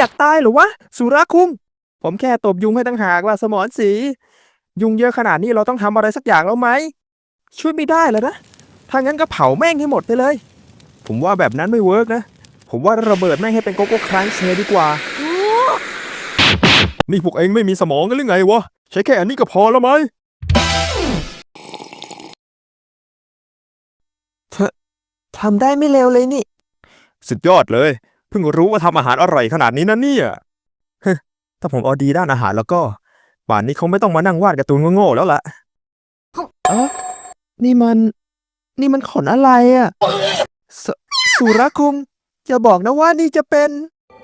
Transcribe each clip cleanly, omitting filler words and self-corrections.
อยากตายหรือวะสุราคุงผมแค่ตบยุงให้ตั้งหากล่ะสมรศรียุงเยอะขนาดนี้เราต้องทำอะไรสักอย่างแล้วไหมช่วยไม่ได้แล้วนะถ้างั้นก็เผาแม่งให้หมดไปเลยผมว่าแบบนั้นไม่เวิร์กนะผมว่าระเบิดแม่งให้เป็นโกโก้ครันช์เลยดีกว่านี่พวกเองไม่มีสมองกันหรือไงวะใช้แค่อันนี้ก็พอแล้วไหมทำได้ไม่เร็วเลยนี่สุดยอดเลยเพิ่งรู้ว่าทำอาหารอร่อยขนาดนี้นะเนี่ยถ้าผมเอาดีด้านอาหารแล้วก็ป่านนี้คงไม่ต้องมานั่งวาดการ์ตูนโง่ๆแล้วล่ะนี่มันขนอะไรอ่ะสสุรคุงอย่าบอกนะว่านี่จะเป็น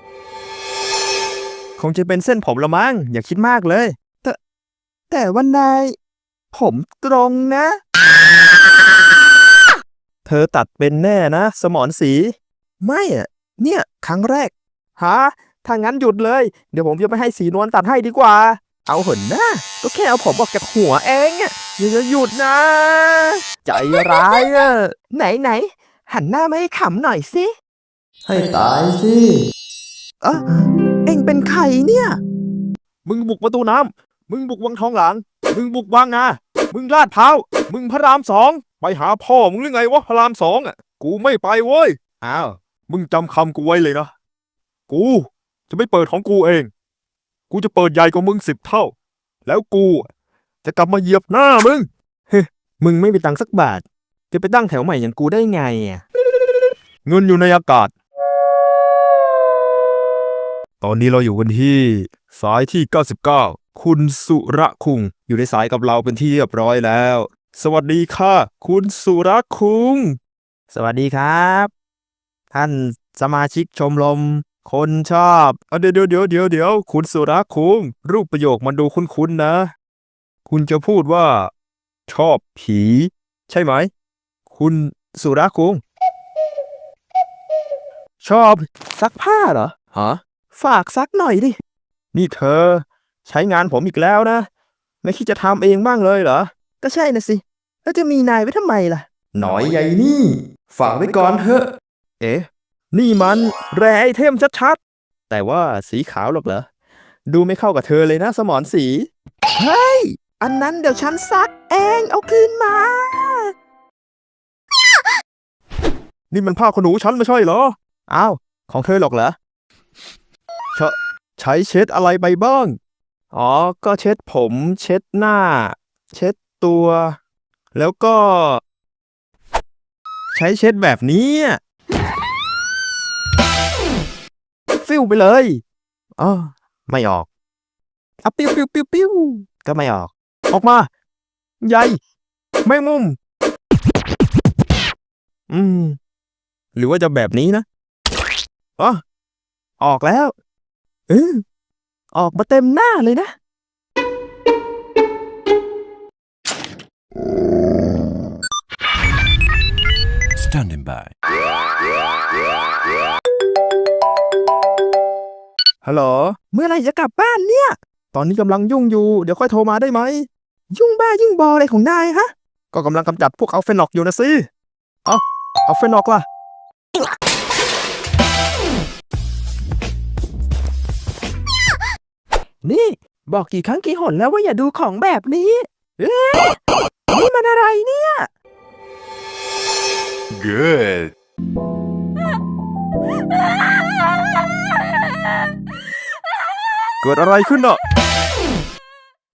คงจะเป็นเส้นผมละมั้งอย่าคิดมากเลยแต่ว่านายผมตรงนะเธอตัดเป็นแน่นะสมรศรีไม่อ่ะเนี่ยครั้งแรกฮะถ้างั้นหยุดเลยเดี๋ยวผมจะไปให้สีนวลตัดให้ดีกว่าเอาเหินนะก็แค่เอาผมออกจากหัวเองอ่ะอย่าหยุดนะใจร้ายอ่ะไหนหันหน้ามาให้ขำหน่อยสิให้ตายสิเอ็งเป็นใครเนี่ยมึงบุกประตูน้ำมึงบุกวังทองหลางมึงบุกบางนามึงลาดพร้าวมึงพระรามสองไปหาพ่อมึงหรือไงวะพระรามสองอ่ะกูไม่ไปเว้ยอ้าวมึงจำคำกูไว้เลยนะกูจะไม่เปิดของกูเองกูจะเปิดใหญ่กว่ามึง10 เท่าแล้วกูจะกลับมาเหยียบหน้ามึงเฮ้มึงไม่มีตังค์สักบาทจะไปตั้งแถวใหม่อย่างกูได้ไงอ่ะเงินอยู่ในอากาศตอนนี้เราอยู่กันที่สายที่99คุณสุระคุงอยู่ในสายกับเราเป็นที่เรียบร้อยแล้วสวัสดีค่ะคุณสุระคุงสวัสดีครับท่านสมาชิกชมรมคนชอบเดี๋ยวคุณสุระคุงรูปประโยคมันดูคุ้นๆนะคุณจะพูดว่าชอบผีใช่ไหมคุณสุระคุงชอบซักผ้าเหรอฮะฝากซักหน่อยดินี่เธอใช้งานผมอีกแล้วนะไม่คิดจะทำเองบ้างเลยเหรอก็ใช่นะสิแล้วจะมีนายไว้ทำไมล่ะหน่อยใหญ่นี่ฝากไว้ก่อนเถอะเอ๊ะนี่มันแร่ไอเทมชัดๆแต่ว่าสีขาวหรอกเหรอดูไม่เข้ากับเธอเลยนะสมรศรีเฮ้ยอันนั้นเดี๋ยวฉันซักเองเอาคืนมานี่มันผ้าขนหนูฉันไม่ใช่เหรออ้าวของเธอหรอกเหรอใช้เช็ดอะไรไปบ้างอ๋อก็เช็ดผมเช็ดหน้าเช็ดตัวแล้วก็ใช้เช็ดแบบนี้ฟิวไปเลยอ๋อไม่ออกอ่ะปิ้วก็ไม่ออกมาใหญ่แมงมุมหรือว่าจะแบบนี้นะอ๋อออกแล้วออกมาเต็มหน้าเลยนะ Standing by ฮัลโหลเมื่อไหร่จะกลับบ้านเนี่ยตอนนี้กำลังยุ่งอยู่เดี๋ยวค่อยโทรมาได้ไหมยุ่งบ้ายุ่งบออะไรของนายฮะก็กำลังกำจัดพวกอัลเฟนอกอยู่นะสิอัลเฟนอกล่ะนี่บอกกี่ครั้งกี่หนแล้วว่าอย่าดูของแบบนี้นี่มันอะไรเนี่ย Good เกิดอะไรขึ้นอ่ะ